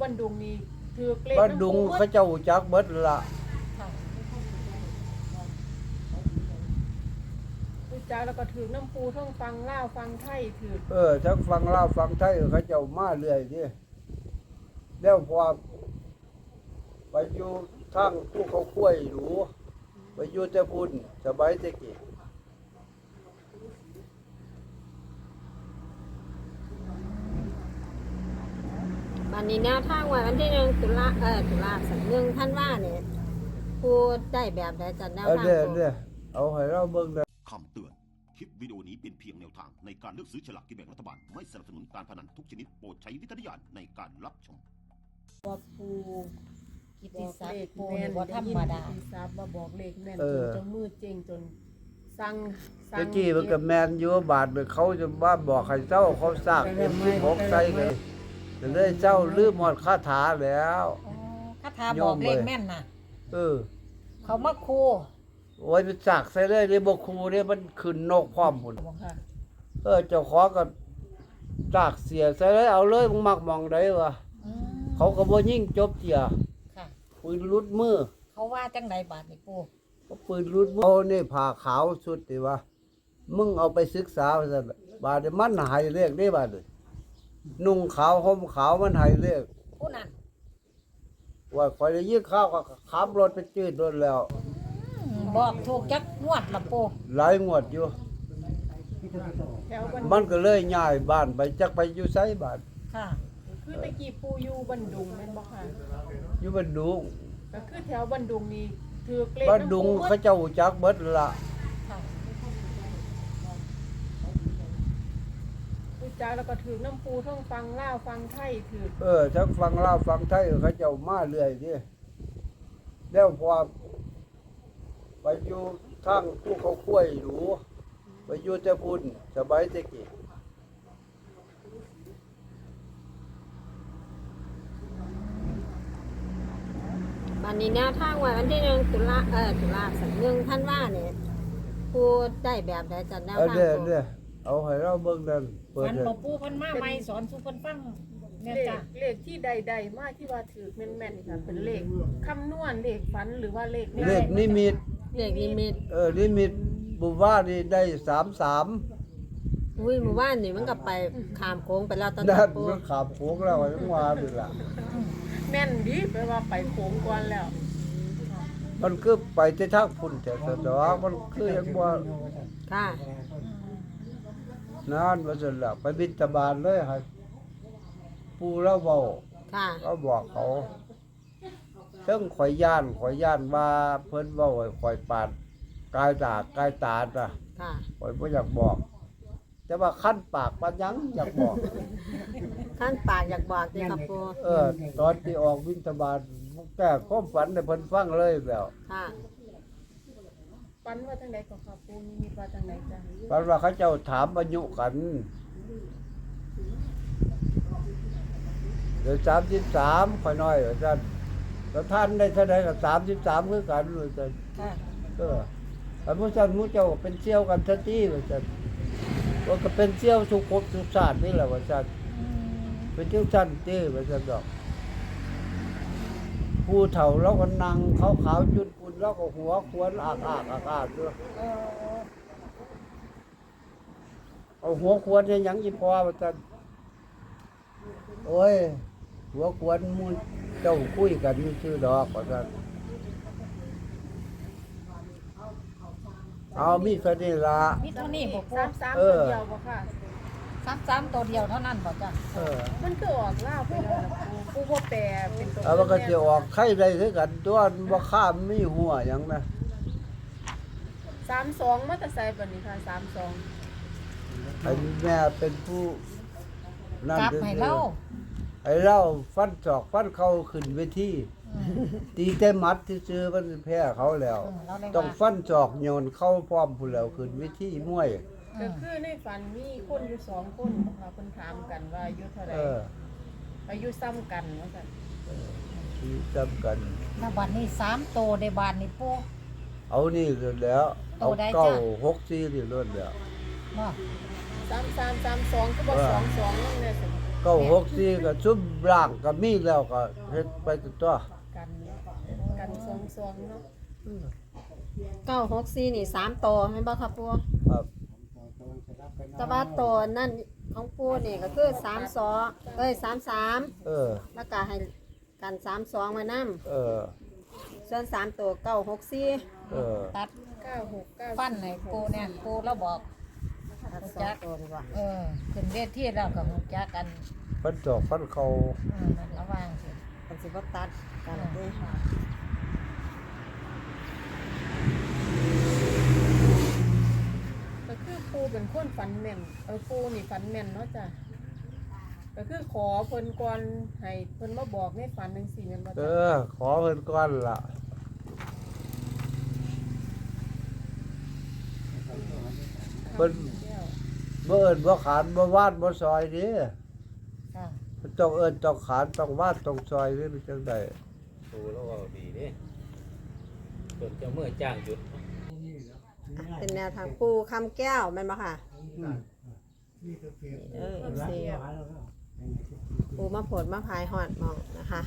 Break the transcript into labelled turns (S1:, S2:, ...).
S1: านดุงนี่ถือเลข
S2: บ้านดุงเขาเจ้าจักเบิดละ
S1: รู้จักแล้วก็ถือน้ำปูท่องฟังล่าวฟังไทยถือ
S2: ทั้งฟังลาวฟังไทยเขาเจ้ามาเรื่อยนี่แล้วพอไปอยู่ทางผู้เขาคุ้ยหรูไปอยู่แต่พุ่นสบายแต่กี้
S3: วันนี้แนวทางวันที่1 ตุลาสัก1 ธันวาเนี่ยพูดได้แบบใดจัดแนวทาง
S2: เนี่ยเอาให้เราเบิ่งได้
S4: คำเตือน คลิปวิดีโอนี้เป็นเพียงแนวทางในการเลือกซื้อฉลากกินแบ่งรัฐบาล ไม่สนับสนุนการพนันทุกชนิดโปรดใช้วิจารณญาณในการรับชม
S1: บอกปู
S5: กิต
S1: บ
S5: ติ
S1: อก
S5: ศัก
S1: เลข
S5: ดิ์ปู
S1: แม่
S5: นี่
S1: น
S5: บ่ธรรมดา
S1: กิตติศัพท์มาบอกเลขแม่นจนเจ้ามือเจงจนสั่ง
S2: ตะกี้มันก็แมนอยู่บาทไปเขาจะบ้าบอกให้เจ้าเขาซากM16ใส่เลยจะได้เจ้าลืมหมดคาถาแล้ว
S5: คาถาบอกเลขแม่นน่ะ
S2: เออ
S5: เขามาคู
S2: โอ้ยมันซากใส่เลยนี่บ่ครูนี่มันขึ้นนกพร้อมพุ่น
S1: บอกค่ะ
S2: เจ้าของก็ซากเสียใส่เลยเอาเลยมึงมักมองได้วะ
S5: อืม
S2: เขาก็บ่ยิงจบเจีย
S5: ค่ะ
S2: ปืนรุดมือ
S5: เขาว่าจังไดบาดนี่ปู
S2: ก็ปืนรุดมือเอานี่ผ้าขาวสุดติวะมึงเอาไปศึกษาว่าซั่นบาดนี้มันให้เลขได้บาดนี้นุ่งขาวห่มขาวมันให้เลข
S5: ผู้นั้น
S2: ว่าข่อยได้ยินข้าวก็ขับรถไปจืดรถแล้ว
S5: บอกถูกจักงวดละปู
S2: หลายงวดอยู่
S1: แถวบัน
S2: มันก็เลยย้ายบ้านไปจักไปอยู่ไสบ้าน
S5: ค่ะ
S1: คือตะกี้ปูอยู่บันดุงแม่นบอกค่ะ
S2: อยู่บ้านดุง
S1: ก็คือแถวบันดุงนี่ถือเลข
S2: บ้านดุง
S1: น้ำปู
S2: เขาเจ้าจักเบิดละ
S5: ค่ะ
S1: รู้จักแล้วก็ถือน้ำปูท่องฟังล่าวฟังไทยถือ
S2: ทั้งฟังลาวฟังไทยเขาเจ้ามาเรื่อยนี่แล้วพอไปอยู่ทางผู้เขาคุ้ยหรูไปอยู่แต่พุ่นสบายแต่กี้
S3: วันนี้แนวทางวันที่1 ตุลาสัก1 ธันวาเนี่ยพูดได้แบบใดจัดแนวทาง
S2: เนี่ยเอาให้เราเบิ่งนั่นเปิด
S5: มัน
S2: เลย
S5: บ่ปูเพิ่นมาใหม่สอนสู่เพิ่นฟังแม่น
S1: เล
S5: จ้ะ
S1: ขเลขที่ใดๆมากที่ว่าถือแม่นๆค่ะเป็นเลขคำนวณเลขฝันหรือว่าเลข
S2: เลขนิมิต
S3: เลขนิมิต
S2: นิมิตบุว่านี่ได้33
S3: อุ้ยหมู่บ้านนี่มันก็ไปข้ามโค้งไปแล้วตอน
S2: นั่
S3: นี้
S2: น
S3: ปู
S2: มันขับโค้งแล้วจังว่านี่ล่ะ
S1: แม่นดีแปลว่าไปโค้งก่อนแล้ว
S2: มันคือไปที่ทางพุ่นแต่สะดอกมันคือยังบ่
S3: ค่ะ
S2: นานว่าซั่นล่ะไปบิณฑบาตเลยให้ปู่เราเว้า
S3: ค่ะ
S2: ก็บอกเขาเทิงข่อยย่านว่าเพิ่นเว้าให้ข่อยปาดกายตาน่ะ
S3: ค่ะ
S2: ข่อยบ่อยากบอก แต่ว่าคันปากปานหยังอยากบอก
S3: ขั้นปากอยากบอกสิครับปู
S2: ตอนที่ออกบิณฑบาตแก้ความฝันให้เพิ่นฟังเลยแล้ว
S3: ค่ะ
S1: ฝันว่าจังไดก็ค่ะปูนี่มีว่าจังไดจ้ะ
S2: ฝันว่าเขาเจ้าถามอายุกันเดี๋ยว33ค่อยน้อยว่าซั่นแล้วท่านได้เท่าใดก็33คือกันว่าซั่น
S5: ค่ะ
S2: อันผู้ซั่นหมู่เจ้าก็เป็นเสี่ยวกันซะติว่าซั่นว่าก็เป็นเสี่ยวทุกภพทุกชาตินี่แหละว่าซั่น
S5: อืม
S2: เป็นจังซั่นติว่าซั่นดอกผู้เฒ่าเราก็นั่งขาวๆจุดปุ่นแล้วก็หัวควรอากๆด้วย
S5: เออ
S2: เอาหัวควรเฮ็ดหยังอีพอว่าซั่นโอ้ยหัวควรหมู่เจ้าคุยกันซื่อดอกว่าซั่นเอามีเท่านี้ล่ะ
S5: มีเท่านี้บ่ปู
S1: 33ตัวเดียวบ่ค่ะ
S5: 33ตัวเดียวเท่านั้นบ่จ้ะ
S1: มันก็ออกล่าวไปแล้วล่ะปูบ่แปลเป็นตัว
S2: เอามันก็สิออกไข่ได้คือกันตัวบ่ข้ามมีหัวหยังนะ
S1: 32มาแต่ไสบัดนี้ค่ะ32
S2: ไอ้แม่เป็นผู้นั่น
S5: กลับให้เรา
S2: ไอ้เราฟันศอกฟันเข้าขึ้นเวที
S5: อืม
S2: ตีแต่หมัดซื่อๆมันแพ้เขาแล้ว
S5: เราได้
S2: ต้อง
S5: ว่า
S2: ฟันศอกโยนเข้าพร้อมผู้แล้วขึ้นเวทีมวย
S1: ก็คือในฝันมีคนอยู่2คนบ่ค่ะเพิ่นถามกันว่าอายุเท่าใด
S2: เออ
S1: อายุซ้ำกันว่าซั่น
S2: ที่จำกัน
S5: แล้วบัดนี้3ตัวในบานนี่ปู
S2: เอานี่เลยแล้ว เอา
S5: โตได้จ้ะ
S2: เก้าหกสี่นี่ล้วนแล้ว
S5: บ่
S1: 3332ก็บ่22นั่นแหละสิ
S2: 964ก็ซุ่มร่างก็มีแล้วก็เฮ็ดไปตัว
S1: กันซองเนาะ
S3: 964นี่3โตวแม่นบ่ครับปู
S2: ครับ
S3: แต่ว่าโตวนั่นของปูนี่ก็คือ3233
S2: เออ
S3: แล้วก็ให้กัน32มานํ
S2: เออ
S3: ส่วน3ตัว964
S2: เออ
S5: ตัด
S1: 96
S5: ฟันให้ปูเนี่ยปูแล้วบอก
S3: ตัด2ตัวดีกว่า
S5: ขึ้นเวทีแล้วก็ฮู้จักกัน
S2: ฟันจอกฟันเขา
S5: นั่นระวังสิ
S3: มันสิบ่ตัดกันเด้
S1: ก็คือปูเป็นคนฝันแม่นปูนี่ฝันแม่นเนาะจ้ะก็คือขอเพิ่นก่อนให้เพิ่นมาบอกในฝันจังซี่แม่นบ่
S2: เอ
S1: จ้ะ
S2: อ ขอเพิ่นก่อนล่ะ เพิ่น บ่เอิ้นบ่ขานบ่วาดบ่ซอยนี่
S5: ค่ะ
S2: มันต้องเอิ้นต้องขานต้องวาดต้องซอยนี่มันจังได๋
S6: ดูแล้วว่าดีเด้ส่วนเจ้าเมื่อจ้างหยุด
S3: เป็นแนวทางปูคำแก้วแม่นบ่ค่ะFC ปูมาโผดมาพายฮอดหมองนะคะ